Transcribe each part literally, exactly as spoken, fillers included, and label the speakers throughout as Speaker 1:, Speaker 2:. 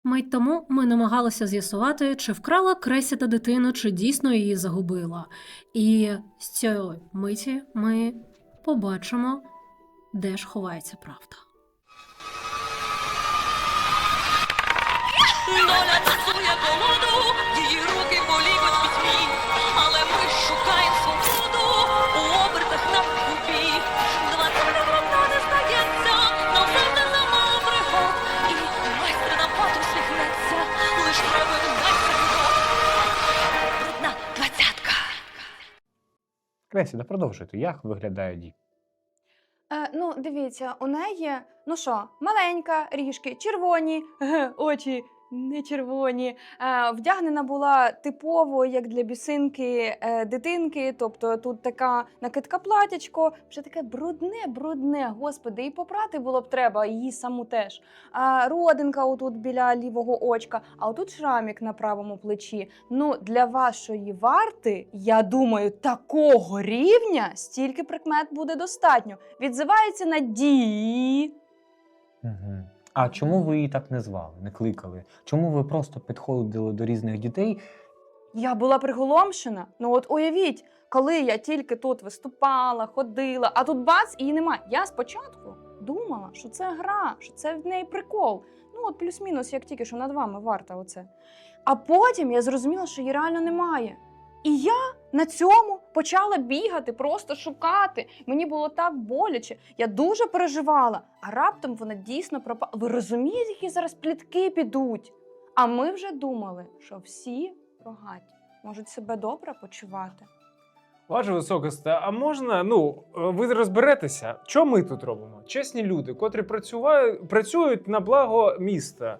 Speaker 1: Мить тому ми намагалися з'ясувати, чи вкрала Кресіда дитину, чи дійсно її загубила. І з цієї миті ми побачимо, де ж ховається правда.
Speaker 2: Доля тасує колоду, її руки полівать у пітьмі, але ми шукаємо свободу у обертах на купі. Двадцять вона не здається, нам завжди замало пригод, і майстер нам пат усміхнеться, лиш треба майстер крок. Брудна двадцятка.
Speaker 3: Кресіда, продовжуйте. Як виглядає Ді?
Speaker 4: Е, ну, дивіться, у неї, ну що, маленька, ріжки, червоні, ге, очі не червоні. Е, вдягнена була типово, як для бісинки е, дитинки, тобто тут така накидка платячко, вже таке брудне, брудне, господи, і попрати було б треба, її саму теж. А родинка отут біля лівого очка, а отут шрамік на правому плечі. Ну, для вашої варти, я думаю, такого рівня стільки прикмет буде достатньо. Відзивається на Ді.
Speaker 3: Угу. А чому ви її так не звали, не кликали? Чому ви просто підходили до різних дітей?
Speaker 4: Я була приголомшена. Ну от уявіть, коли я тільки тут виступала, ходила, а тут бац, її немає. Я спочатку думала, що це гра, що це в неї прикол. Ну от плюс-мінус, як тільки що над вами варта оце. А потім я зрозуміла, що її реально немає. І я на цьому почала бігати, просто шукати. Мені було так боляче, я дуже переживала. А раптом вона дійсно пропала. Ви розумієте, які зараз плітки підуть? А ми вже думали, що всі рогаті можуть себе добре почувати.
Speaker 5: Ваше високосте, а можна, ну, ви розберетеся, що ми тут робимо? Чесні люди, котрі працюють, працюють на благо міста.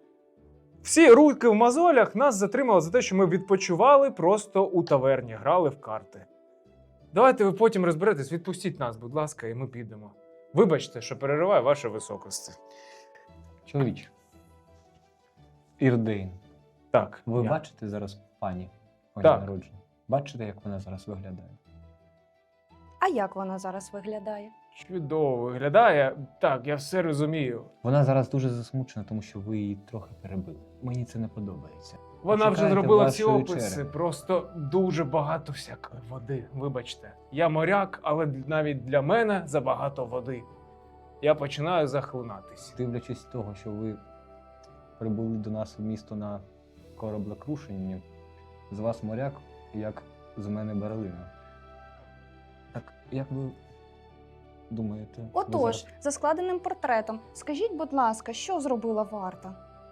Speaker 5: Всі руки в мозолях нас затримали за те, що ми відпочивали просто у таверні, грали в карти. Давайте ви потім розберетесь, відпустіть нас, будь ласка, і ми підемо. Вибачте, що перериваю ваше високосте.
Speaker 3: Чоловіче. Ірдейн.
Speaker 5: Так,
Speaker 3: Ви
Speaker 5: я.
Speaker 3: бачите зараз пані моє
Speaker 5: Так.
Speaker 3: народження? Бачите, як вона зараз виглядає?
Speaker 4: А як вона зараз виглядає?
Speaker 5: Чудово виглядає. Так, я все розумію.
Speaker 3: Вона зараз дуже засмучена, тому що ви її трохи перебили. Мені це не подобається.
Speaker 5: Вона вже
Speaker 3: Почекайте
Speaker 5: зробила всі
Speaker 3: вашої
Speaker 5: описи,
Speaker 3: черги.
Speaker 5: просто дуже багато всякої води. Вибачте, я моряк, але навіть для мене забагато води. Я починаю захлинатись.
Speaker 3: Дивлячись з того, що ви прибули до нас в місто на кораблекрушенні, з вас моряк, як з мене берлина. Так, як ви думаєте? ви
Speaker 4: Отож,
Speaker 3: зараз-
Speaker 4: за складеним портретом, скажіть, будь ласка, що зробила варта?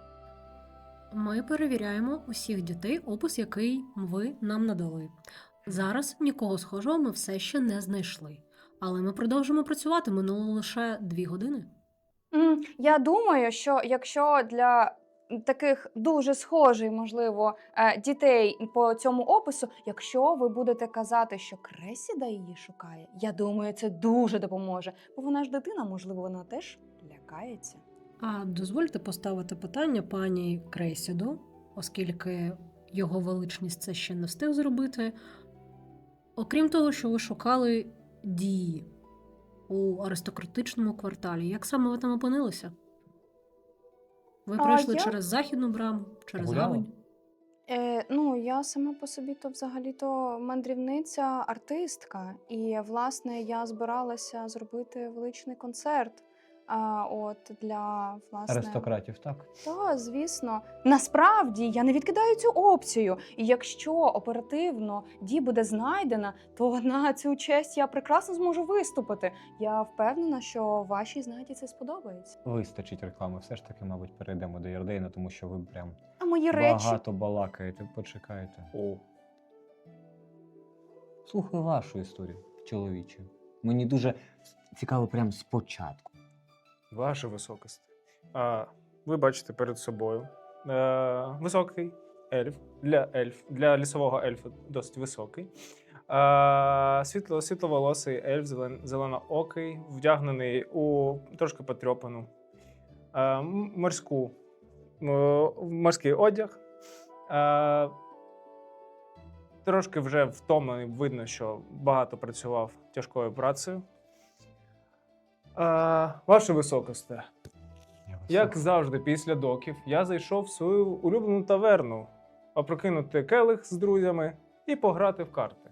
Speaker 1: Ми перевіряємо усіх дітей, опис, який ви нам надали. Зараз нікого схожого ми все ще не знайшли. Але ми продовжимо працювати, минуло лише дві години.
Speaker 4: М, Я думаю, що якщо для таких дуже схожих, можливо, е, дітей по цьому опису, якщо ви будете казати, що Кресіда її шукає, я думаю, це дуже допоможе. Бо вона ж дитина, можливо, вона теж лякається.
Speaker 1: А дозвольте поставити питання пані Кресіду, оскільки його величність це ще не встиг зробити. Окрім того, що ви шукали Ді у аристократичному кварталі, як саме ви там опинилися? Ви
Speaker 4: А
Speaker 1: пройшли
Speaker 4: я-
Speaker 1: через західну браму, через
Speaker 3: Гуляли?
Speaker 1: гавань?
Speaker 4: Е, ну, я сама по собі то взагалі-то мандрівниця, артистка. І, власне, я збиралася зробити величний концерт. А, от для власне
Speaker 3: Аристократів, так?
Speaker 4: та, звісно, насправді я не відкидаю цю опцію. І якщо оперативно Ді буде знайдена, то на цю честь я прекрасно зможу виступити. Я впевнена, що вашій знайді це сподобається.
Speaker 3: Вистачить реклами. Все ж таки, мабуть, перейдемо до Єрдейна, тому що ви прям
Speaker 4: А мої речі.
Speaker 3: багато балакаєте. Почекайте.
Speaker 5: О,
Speaker 3: Слухаю вашу історію, чоловіче. Мені дуже цікаво прямо спочатку.
Speaker 5: ваше високосте. А, ви бачите перед собою е, високий ельф. Для ельф, для лісового ельфа досить високий. Е, світло, світловолосий ельф, зелен, зеленоокий, вдягнений у трошки потрьопану е, м- морську, е, морський одяг. Е, трошки вже втомлений, видно, що багато працював тяжкою працею. Е, ваше високосте.
Speaker 3: Я
Speaker 5: Як завжди, після доків я зайшов в свою улюблену таверну, опрокинути келих з друзями і пограти в карти.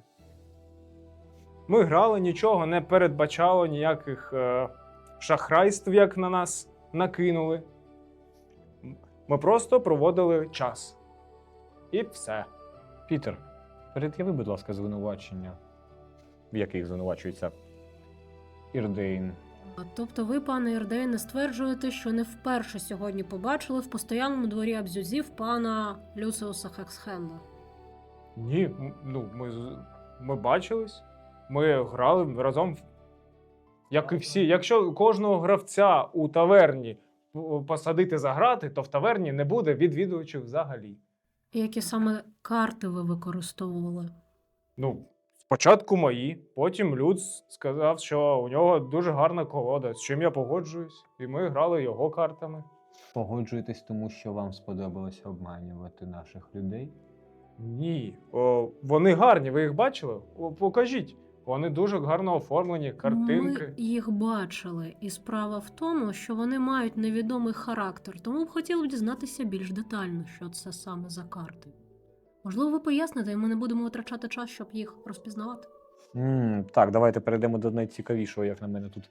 Speaker 5: Ми грали, нічого не передбачало, ніяких е, шахрайств, як на нас накинули. Ми просто проводили час. І все.
Speaker 3: Пітер, перед'яви, будь ласка, звинувачення, в яких звинувачується Ірдейн.
Speaker 1: А Тобто ви, пане Ірдейне, стверджуєте, що не вперше сьогодні побачили в постоянному дворі абзюзів пана Люциуса Хексхенда?
Speaker 5: Ні, м- ну, ми, з- ми бачились, ми грали разом, в- як і всі. Якщо кожного гравця у таверні п- посадити за грати, то в таверні не буде відвідувачів взагалі.
Speaker 1: Які саме карти ви використовували?
Speaker 5: Ну, спочатку мої, потім Люц сказав, що у нього дуже гарна колода, з чим я погоджуюсь, і ми грали його картами.
Speaker 3: Погоджуєтесь тому, що вам сподобалося обманювати наших людей?
Speaker 5: Ні, о, вони гарні, ви їх бачили? О, покажіть. Вони дуже гарно оформлені, картинки.
Speaker 1: Ми їх бачили, і справа в тому, що вони мають невідомий характер, тому б хотіли б дізнатися більш детально, що це саме за карти. Можливо, ви поясните, і ми не будемо витрачати час, щоб їх розпізнавати.
Speaker 3: м так, давайте перейдемо до найцікавішого, як на мене тут.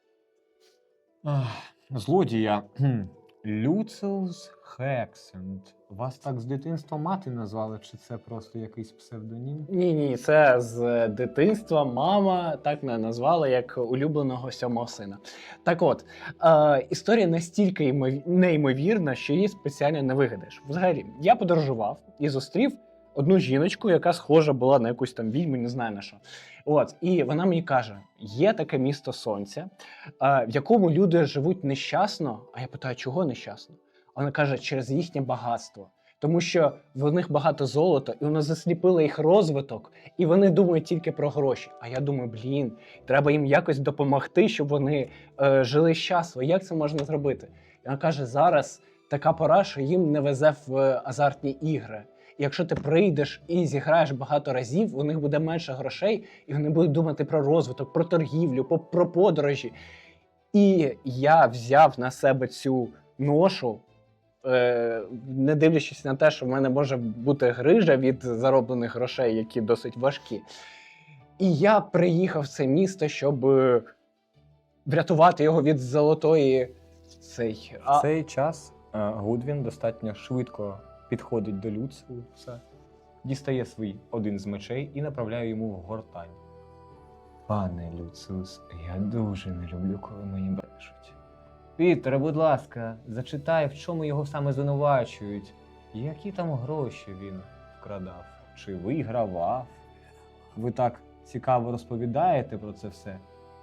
Speaker 3: Ах, злодія. Кхм. Люциус Хексенд. Вас так з дитинства мати назвали, чи це просто якийсь псевдонім?
Speaker 6: Ні, ні, це з дитинства мама так мене назвала як улюбленого сьомого сина. Так от, е, історія настільки ймов- неймовірна, що її спеціально не вигадаєш. Взагалі, я подорожував і зустрів одну жіночку, яка схожа була на якусь там відьму, не знаю на що. От, і вона мені каже: є таке місто Сонця, е, в якому люди живуть нещасно. А я питаю, чого нещасно? А вона каже, через їхнє багатство. Тому що в них багато золота, і воно засліпило їх розвиток, і вони думають тільки про гроші. А я думаю, блін, треба їм якось допомогти, щоб вони е, жили щасливо. Як це можна зробити? І вона каже, зараз така пора, що їм не везе в азартні ігри. І якщо ти прийдеш і зіграєш багато разів, у них буде менше грошей, і вони будуть думати про розвиток, про торгівлю, по- про подорожі. І я взяв на себе цю ношу, е, не дивлячись на те, що в мене може бути грижа від зароблених грошей, які досить важкі. І я приїхав в це місто, щоб е, врятувати його від золотої цей.
Speaker 3: В цей час е, Гудвін достатньо швидко підходить до Люциуса, дістає свій один з мечей і направляє йому в гортань. Пане Люциус, я дуже не люблю, коли мені брешуть. Пітере, будь ласка, зачитай, в чому його саме звинувачують. Які там гроші він вкрадав? Чи вигравав? Ви так цікаво розповідаєте про це все.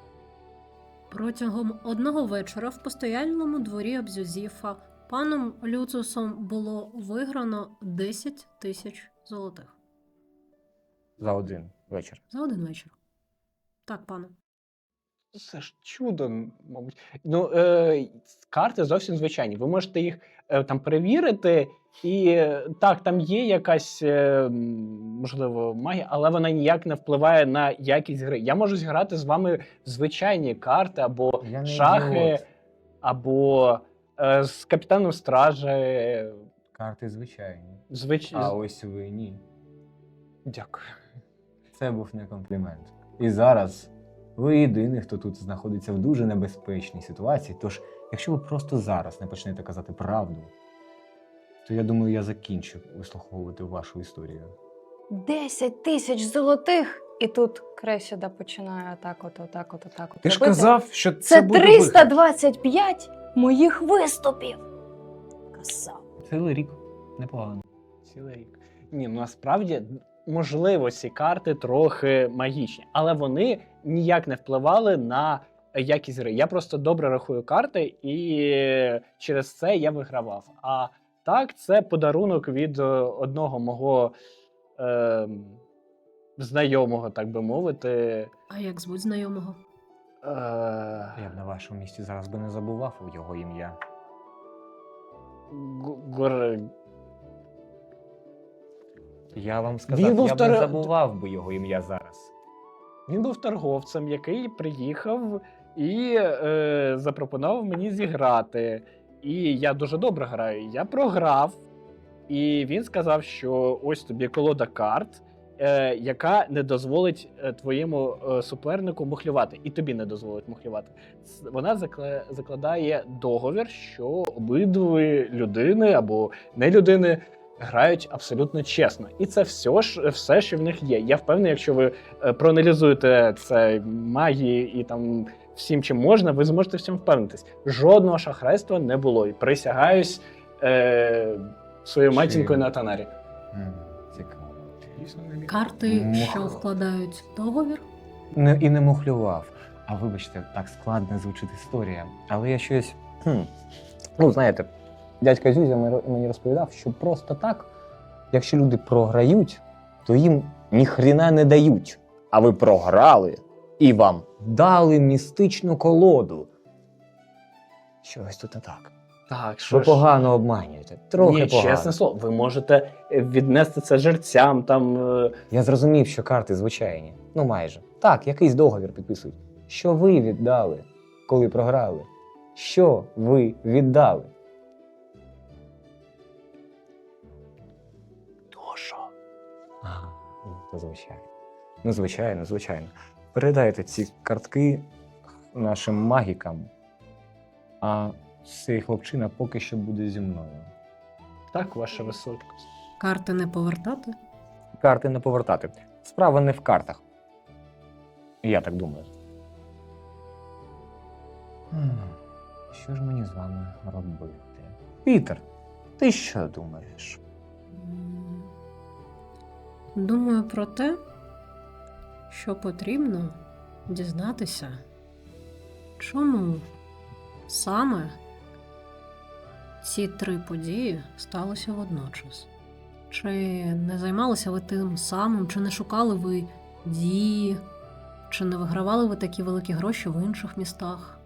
Speaker 1: Протягом одного вечора в постояльному дворі Абзюзіфа паном Люциусом було виграно десять тисяч золотих.
Speaker 3: За один вечір.
Speaker 1: За один вечір. Так, пане.
Speaker 6: Це ж чудо, мабуть. Ну, е, карти зовсім звичайні. Ви можете їх е, там перевірити, і е, так, там є якась, е, м, можливо, магія, але вона ніяк не впливає на якість гри. Я можу зіграти з вами в звичайні карти, або
Speaker 3: Я не
Speaker 6: шахи,
Speaker 3: ідіот.
Speaker 6: або е, з капітаном стражі. е,
Speaker 3: Карти звичайні.
Speaker 6: Звич...
Speaker 3: А ось ви ні.
Speaker 6: Дякую.
Speaker 3: Це був не комплімент. І зараз ви єдиний, хто тут знаходиться в дуже небезпечній ситуації. Тож, якщо ви просто зараз не почнете казати правду, то я думаю, я закінчу вислуховувати вашу історію.
Speaker 4: Десять тисяч золотих! І тут Кресіда починає отак от, отак от, отак от.
Speaker 5: Ти ж
Speaker 4: робити.
Speaker 5: казав, що це,
Speaker 4: Це
Speaker 5: буде
Speaker 4: триста
Speaker 5: вихід.
Speaker 4: двадцять п'ять моїх виступів! Казав.
Speaker 3: Цілий рік непогано.
Speaker 6: Цілий рік. Ні, ну насправді, можливо, ці карти трохи магічні, але вони ніяк не впливали на якість гри. Я просто добре рахую карти, і через це я вигравав. А так, це подарунок від е, одного мого е, знайомого, так би мовити.
Speaker 1: А як звуть знайомого?
Speaker 6: Е,
Speaker 3: Я б на вашому місці зараз би не забував його ім'я.
Speaker 6: Г- Гор...
Speaker 3: Я вам сказав,
Speaker 6: Він був
Speaker 3: я б
Speaker 6: тор-
Speaker 3: не забував би його ім'я зараз.
Speaker 6: Він був торговцем, який приїхав і е, запропонував мені зіграти. і я дуже добре граю. Я програв, і він сказав, що ось тобі колода карт, е, яка не дозволить е, твоєму е, супернику мухлювати, і тобі не дозволить мухлювати. Ц- Вона закла- закладає договір, що обидві людини або не людини грають абсолютно чесно. І це все, ж, все, що в них є. Я впевнений, якщо ви е, проаналізуєте це магії і там всім, чим можна, ви зможете в цьому впевнитись. Жодного шахрайства не було. І присягаюсь е, своєю
Speaker 3: Чи-
Speaker 6: матінкою на Танарі.
Speaker 3: М, Цікаво.
Speaker 1: Карти,
Speaker 3: Мух-
Speaker 1: що вкладають договір.
Speaker 3: Не, і не мухлював. А вибачте, так складно звучить історія. Але я щось. Хм. Ну, знаєте, дядька Зюзя мені мені розповідав, що просто так, якщо люди програють, то їм ніхрена не дають. А ви програли і вам дали містичну колоду. Щось тут не так.
Speaker 6: Так, що
Speaker 3: Ви
Speaker 6: ж.
Speaker 3: погано обманюєте. Трохи
Speaker 6: Ні,
Speaker 3: погано.
Speaker 6: чесне слово, ви можете е, віднести це жерцям, там. е,
Speaker 3: Я зрозумів, що карти звичайні. Ну майже. Так, якийсь договір підписують. Що ви віддали, коли програли? Що ви віддали?
Speaker 6: Душу.
Speaker 3: Ага, ну, то звичайно. Ну, звичайно, звичайно. Передайте ці картки нашим магікам, а цей хлопчина поки що буде зі мною.
Speaker 6: Так, ваша високість.
Speaker 1: Карти не повертати.
Speaker 3: Карти не повертати. Справа не в картах. Я так думаю. Хм, Що ж мені з вами робити? Пітер, ти що думаєш?
Speaker 1: М, Думаю про те, що потрібно дізнатися, чому саме ці три події сталися водночас. Чи не займалися ви тим самим, чи не шукали ви дії, чи не вигравали ви такі великі гроші в інших містах?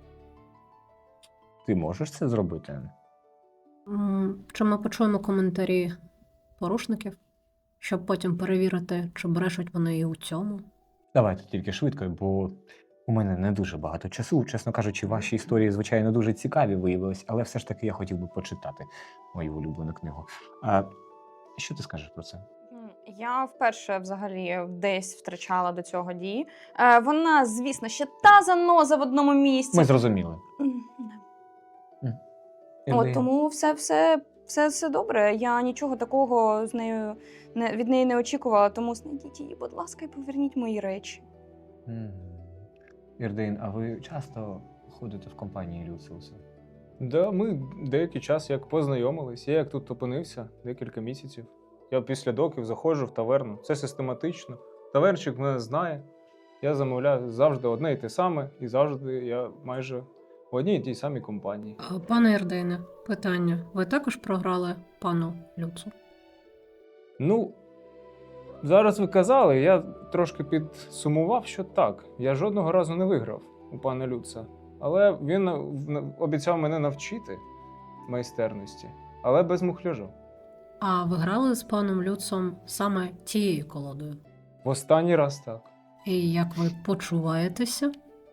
Speaker 3: Ти можеш це зробити?
Speaker 1: М, Чи ми почуємо коментарі порушників, щоб потім перевірити, чи брешуть вони і у цьому?
Speaker 3: Давайте тільки швидко, бо у мене не дуже багато часу. Чесно кажучи, ваші історії, звичайно, дуже цікаві виявились, але все ж таки я хотів би почитати мою улюблену книгу. А що ти скажеш про це?
Speaker 4: М, Я вперше взагалі десь втрачала до цього дії. Е, вона, звісно, ще та заноза в одному місці.
Speaker 3: Ми зрозуміли.
Speaker 4: М, да.
Speaker 3: Ілля,
Speaker 4: От тому все, все, все, все добре. Я нічого такого з нею не від неї не очікувала. Тому знайдіть її, будь ласка, і поверніть мої речі.
Speaker 3: Мгм. Ірдейн, а ви часто ходите в компанії Люциуса?
Speaker 5: Да, ми деякий час як познайомились. Я як тут опинився декілька місяців. Я після доків заходжу в таверну. Це систематично. Тавернчик мене знає. Я замовляю завжди одне і те саме, і завжди я майже в одній і тій самій компанії.
Speaker 1: А, Пане Ірдейне, питання. Ви також програли пану Люцу?
Speaker 5: Ну, зараз ви казали, я трошки підсумував, що так. Я жодного разу не виграв у пана Люца. Але він нав- обіцяв мене навчити майстерності, але без мухляжу.
Speaker 1: А ви грали з паном Люцом саме тією колодою?
Speaker 5: В останній раз так.
Speaker 1: І як ви почуваєтеся?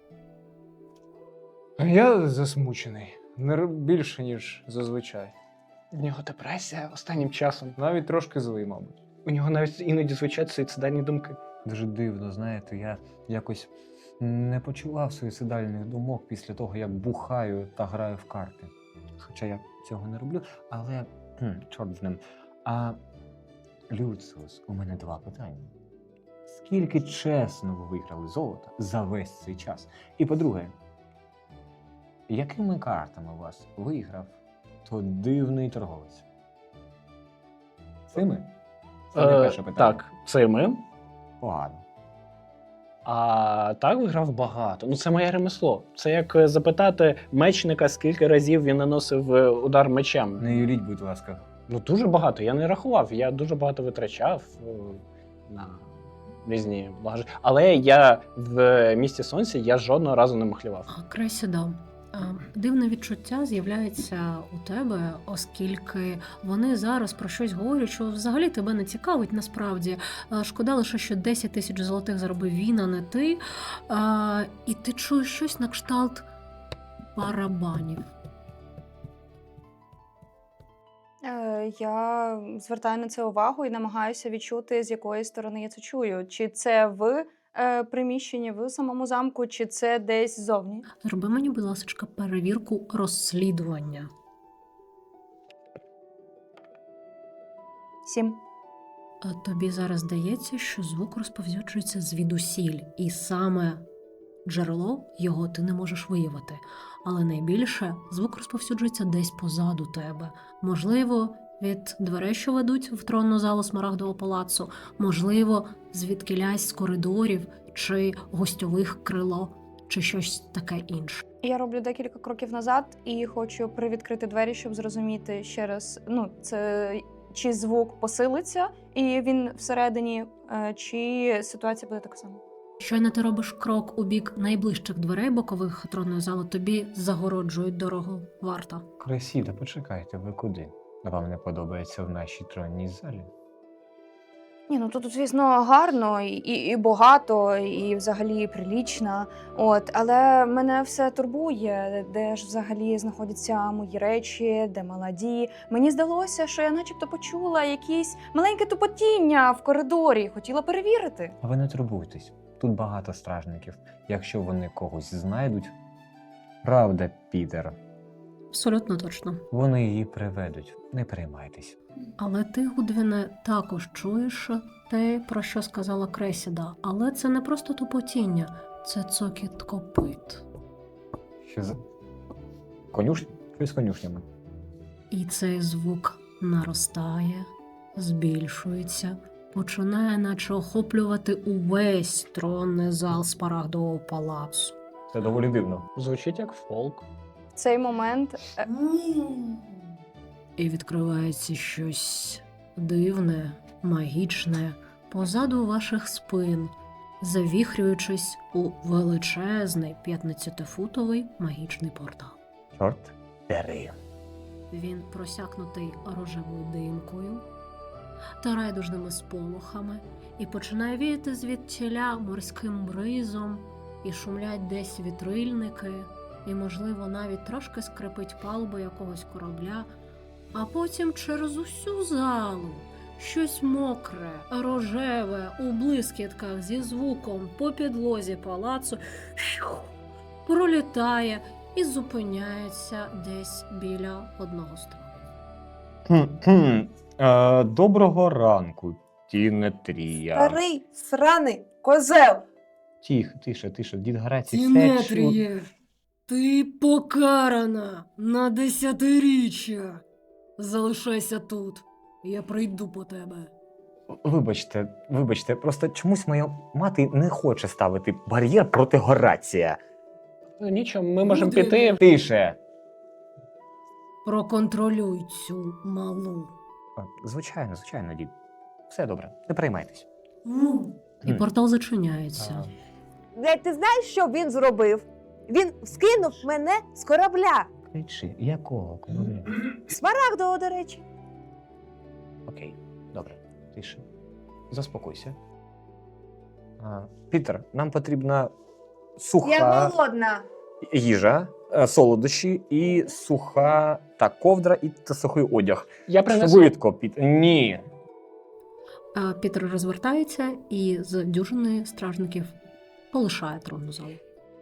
Speaker 5: Я засмучений. Не р- більше, ніж зазвичай.
Speaker 6: У нього депресія останнім часом.
Speaker 5: Навіть трошки злий, мабуть.
Speaker 6: У нього навіть іноді звучать суїцидальні думки.
Speaker 3: Дуже дивно, знаєте, я якось не почував суїцидальних думок після того, як бухаю та граю в карти. Хоча я цього не роблю, але хм, чорт з ним. А Люциус, у мене два питання. Скільки чесно ви виграли золота за весь цей час? І по-друге, якими картами у вас виграв той дивний торговець? Цими? Це не
Speaker 6: Е,
Speaker 3: перше питання.
Speaker 6: так, цими.
Speaker 3: Погано.
Speaker 6: А так виграв багато. Ну це моє ремесло. Це як е, запитати мечника, скільки разів він наносив е, удар мечем.
Speaker 3: Не юліть, будь ласка.
Speaker 6: Ну дуже багато. Я не рахував. Я дуже багато витрачав е, на різні благожи. Але я в місті сонця я жодного разу не махлював.
Speaker 1: А, Кресідо, а, дивне відчуття з'являється у тебе, оскільки вони зараз про щось говорять, що взагалі тебе не цікавить насправді. А, Шкода лише, що десять тисяч золотих заробив він, а не ти. А, І ти чуєш щось на кшталт барабанів.
Speaker 4: Е, я звертаю на це увагу і намагаюся відчути, з якої сторони я це чую. Чи це в е, приміщенні, в самому замку, чи це десь ззовні.
Speaker 1: Зроби мені, будь ласка, перевірку розслідування.
Speaker 4: Сім.
Speaker 1: А тобі зараз здається, що звук розповсюджується звідусіль, і саме джерело його ти не можеш виявити. Але найбільше звук розповсюджується десь позаду тебе. Можливо, від дверей, що ведуть в тронну залу Смарагдового палацу, можливо, звідкілясь з коридорів чи гостьових крило, чи щось таке інше.
Speaker 4: Я роблю декілька кроків назад і хочу привідкрити двері, щоб зрозуміти ще раз, ну, це чи звук посилиться, і він всередині, е, чи ситуація буде така сама.
Speaker 1: Щойно ти робиш крок у бік найближчих дверей бокових тронної зали, тобі загороджують дорогу варта.
Speaker 3: Кресіда, почекайте, ви куди? Вам не подобається в нашій тронній залі?
Speaker 4: Ні, ну тут, звісно, гарно і, і, і багато, і взагалі прилічно. От, але мене все турбує, де ж взагалі знаходяться мої речі, де молоді. Мені здалося, що я начебто почула якісь маленьке тупотіння в коридорі, хотіла перевірити.
Speaker 3: А ви не турбуйтесь, тут багато стражників. Якщо вони когось знайдуть, правда, Пітер,
Speaker 1: Абсолютно точно.
Speaker 3: вони її приведуть. Не переймайтесь.
Speaker 1: Але ти, Гудвіне, також чуєш те, про що сказала Кресіда. Але це не просто тупотіння, це цокіт копит.
Speaker 3: Що за конюшня? Що з конюшнями?
Speaker 1: І цей звук наростає, збільшується, починає наче охоплювати увесь тронний зал Смарагдового палацу.
Speaker 3: Це доволі дивно.
Speaker 6: Звучить як фолк.
Speaker 4: В цей момент е,
Speaker 1: І відкривається щось дивне, магічне позаду ваших спин, завіхрюючись у величезний п'ятнадцятифутовий магічний портал.
Speaker 3: Чорт бери.
Speaker 1: Він просякнутий рожевою димкою та райдужними сполохами і починає віяти звідтіля морським бризом, і шумлять десь вітрильники, і, можливо, навіть трошки скрипить палуба якогось корабля, а потім через усю залу щось мокре, рожеве, у блискітках зі звуком по підлозі палацу пролітає і зупиняється десь біля одного з тронів.
Speaker 3: Хм-хм. Е, доброго ранку, Тінетрія.
Speaker 7: Старий сраний козел.
Speaker 3: Тихо, тише, тише, дід Грацій все чув.
Speaker 1: Тіметріє, ти покарана на десятиріччя. Залишайся тут, я прийду по тебе.
Speaker 3: Вибачте, вибачте, просто чомусь моя мати не хоче ставити бар'єр проти Горація.
Speaker 6: Ну, нічого, ми можемо
Speaker 1: Буде.
Speaker 6: піти.
Speaker 3: Тише.
Speaker 1: Проконтролюй цю малу.
Speaker 3: А, Звичайно, звичайно, дід. Все добре, не переймайтесь.
Speaker 1: І портал зачиняється.
Speaker 7: Блядь, ти знаєш, що він зробив? Він скинув мене з корабля.
Speaker 3: Кричи, якого корабля?
Speaker 7: Смарагдового, до речі.
Speaker 3: Окей, добре, тише. Заспокойся. А, Пітер, нам потрібна суха
Speaker 7: Я голодна.
Speaker 3: їжа, е, солодощі і суха та ковдра і та сухий одяг.
Speaker 6: Я принесу.
Speaker 3: Швидко, Пітер. Ні.
Speaker 1: А Пітер розвертається і з дюжини стражників полишає тронну залу.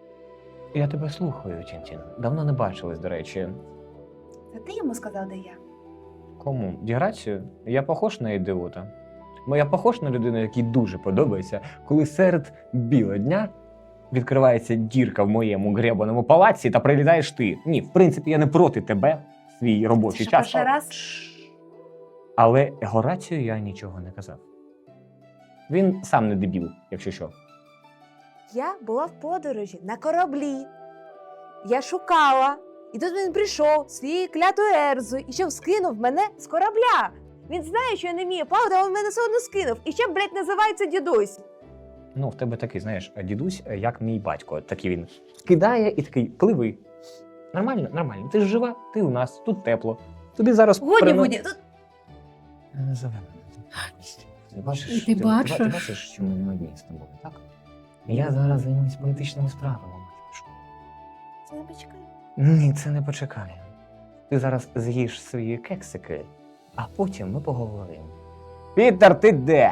Speaker 3: Я тебе слухаю, Тінтін. Давно не бачились, до речі.
Speaker 7: Та ти йому сказав, де я.
Speaker 3: Кому? Діграцію? Я похож на ідіота? Бо я похож на людину, якій дуже подобається, коли серед біла дня відкривається дірка в моєму гребаному палаці та прилітаєш ти. Ні, в принципі, я не проти тебе в свій робочий
Speaker 7: Що,
Speaker 3: час.
Speaker 7: перший раз?
Speaker 3: Але Горацію я нічого не казав. Він сам не дебіл, якщо що.
Speaker 7: Я була в подорожі на кораблі. Я шукала. І тут він прийшов своєю клятою Ерзою і ще скинув мене з корабля. Він знає, що я не вмію плавати, а він мене все одно скинув. І ще, блядь, називається дідусь.
Speaker 3: Ну, в тебе такий, знаєш, дідусь, як мій батько. Такий він кидає і такий, пливи. Нормально, нормально. Ти ж жива, ти у нас, тут тепло. Тобі зараз
Speaker 7: Годі,
Speaker 3: перено-
Speaker 7: годі. Тут
Speaker 3: Не називай мене. Ти бачиш,
Speaker 1: Ти
Speaker 3: ти,
Speaker 1: бачиш?
Speaker 3: Ти, бачиш, що ми не одні з тобою, так? Я зараз займусь політичними справами, матюшко.
Speaker 7: це не почекай.
Speaker 3: Ні, це не почекає. Ти зараз з'їш свої кексики
Speaker 8: а потім ми поговоримо. Пітер, ти де?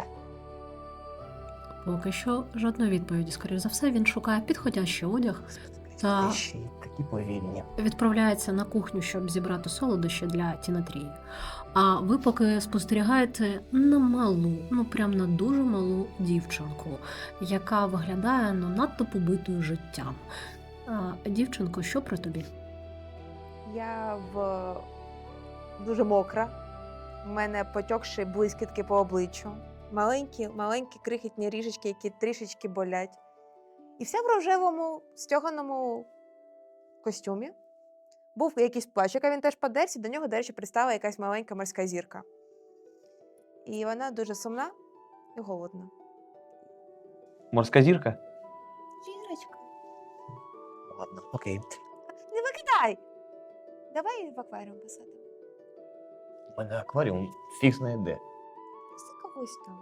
Speaker 1: Поки що жодної відповіді. Скоріше за все, він шукає підходящий одяг та
Speaker 8: Ще й такі повільні.
Speaker 1: відправляється на кухню, щоб зібрати солодощі для Тінатрії. А ви поки спостерігаєте на малу, ну прям на дуже малу дівчинку, яка виглядає ну, надто побитою життям. А, дівчинко, що при тобі?
Speaker 7: Я в дуже мокра. У мене потьокші блискітки по обличчю. Маленькі, маленькі крихітні ріжечки, які трішечки болять. І вся в рожевому стьоганому костюмі. Був якийсь плащик, а він теж подерся, до нього, до речі, пристала якась маленька морська зірка. І вона дуже сумна і голодна.
Speaker 8: Морська зірка?
Speaker 7: Зірочка.
Speaker 8: Ладно, окей.
Speaker 7: Не викидай! Давай в акваріум посадимо.
Speaker 8: У мене акваріум фіг знає де.
Speaker 7: Це когось там.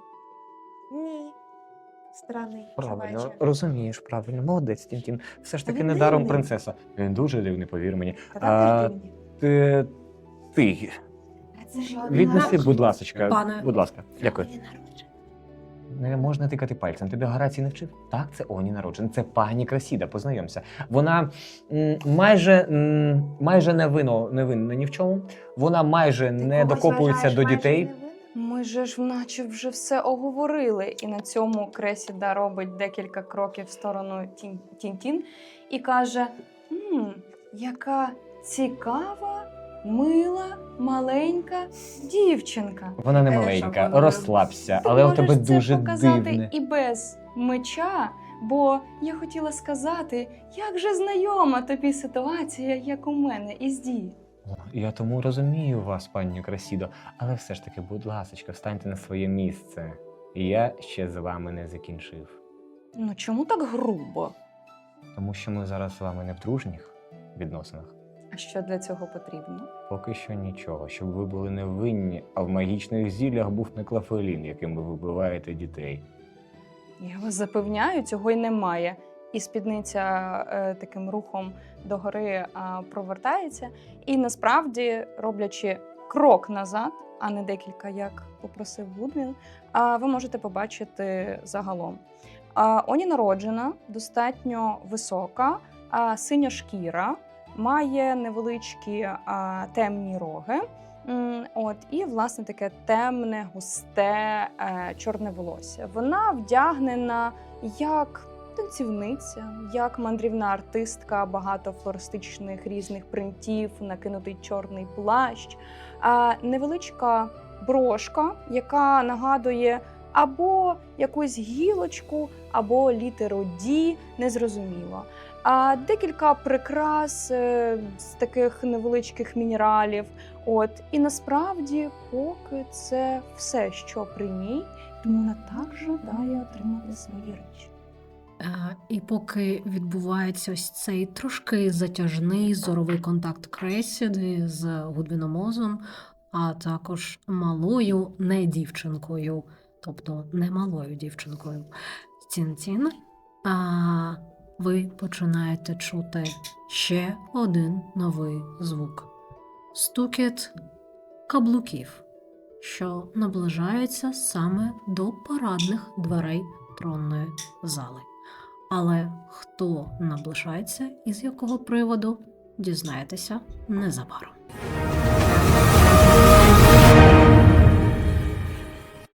Speaker 7: Ні. Странний
Speaker 8: Правильно,
Speaker 7: чуваче.
Speaker 8: розумієш, правильно, молодець, Тінтін. Все ж
Speaker 7: Та
Speaker 8: таки
Speaker 7: він
Speaker 8: недаром
Speaker 7: дивний.
Speaker 8: принцеса. Він дуже дивний, повір мені.
Speaker 7: Та
Speaker 8: А,
Speaker 7: там теж дивні.
Speaker 8: Ти, ти,
Speaker 7: А це ж
Speaker 8: віднеси, будь ласочка,
Speaker 1: Пане.
Speaker 8: будь ласка, дякую.
Speaker 7: Оні народження.
Speaker 8: Не можна тикати пальцем. Тебе Горацій не вчив? Так, це Оні народжена. Це пані Красіда, познайомся. Вона м, майже, м, майже не вино, не винна ні в чому. Вона майже не докопується до дітей.
Speaker 4: Ми же ж наче вже все оговорили, і на цьому Кресіда робить декілька кроків в сторону Тін- Тінтін і каже: «Мм, яка цікава, мила, маленька дівчинка.
Speaker 8: Вона не
Speaker 4: Е,
Speaker 8: маленька,
Speaker 4: що,
Speaker 8: розслабся,
Speaker 4: Ти
Speaker 8: але у
Speaker 4: можеш
Speaker 8: тебе
Speaker 4: це
Speaker 8: дуже
Speaker 4: показати
Speaker 8: дивне.
Speaker 4: і без меча, бо я хотіла сказати, як же знайома тобі ситуація, як у мене із Ді.
Speaker 8: О, я тому розумію вас, пані Красідо, але все ж таки, будь ласочка, встаньте на своє місце. Я ще з вами не закінчив.
Speaker 4: Ну чому так грубо?
Speaker 8: Тому що ми зараз з вами не в дружніх відносинах.
Speaker 4: А що для цього потрібно?
Speaker 8: Поки що нічого, щоб ви були невинні, а в магічних зіллях був не клафелін, яким ви вибиваєте дітей.
Speaker 4: Я вас запевняю, цього й немає. І спідниця е, таким рухом догори е, провертається. І насправді, роблячи крок назад, а не декілька, як попросив Гудвін, а ви можете побачити загалом. А, Оні народжена, достатньо висока, а, синя шкіра, має невеличкі а, темні роги. М, От, і, власне, таке темне, густе, е, чорне волосся. Вона вдягнена як танцівниця, як мандрівна артистка, багато флористичних різних принтів, накинутий чорний плащ, а, невеличка брошка, яка нагадує або якусь гілочку, або літеру «Ді», незрозуміло. А декілька прикрас е, з таких невеличких мінералів. От, і насправді, поки це все, що при ній, тому вона так жадає отримати свої речі.
Speaker 1: Е, І поки відбувається ось цей трошки затяжний зоровий контакт Кресіди з Гудвіномозом, а також малою не дівчинкою, тобто не малою дівчинкою Тін-Тін, а ви починаєте чути ще один новий звук. Стукіт каблуків, що наближається саме до парадних дверей тронної зали. Але хто наближається і з якого приводу, дізнаєтеся незабаром.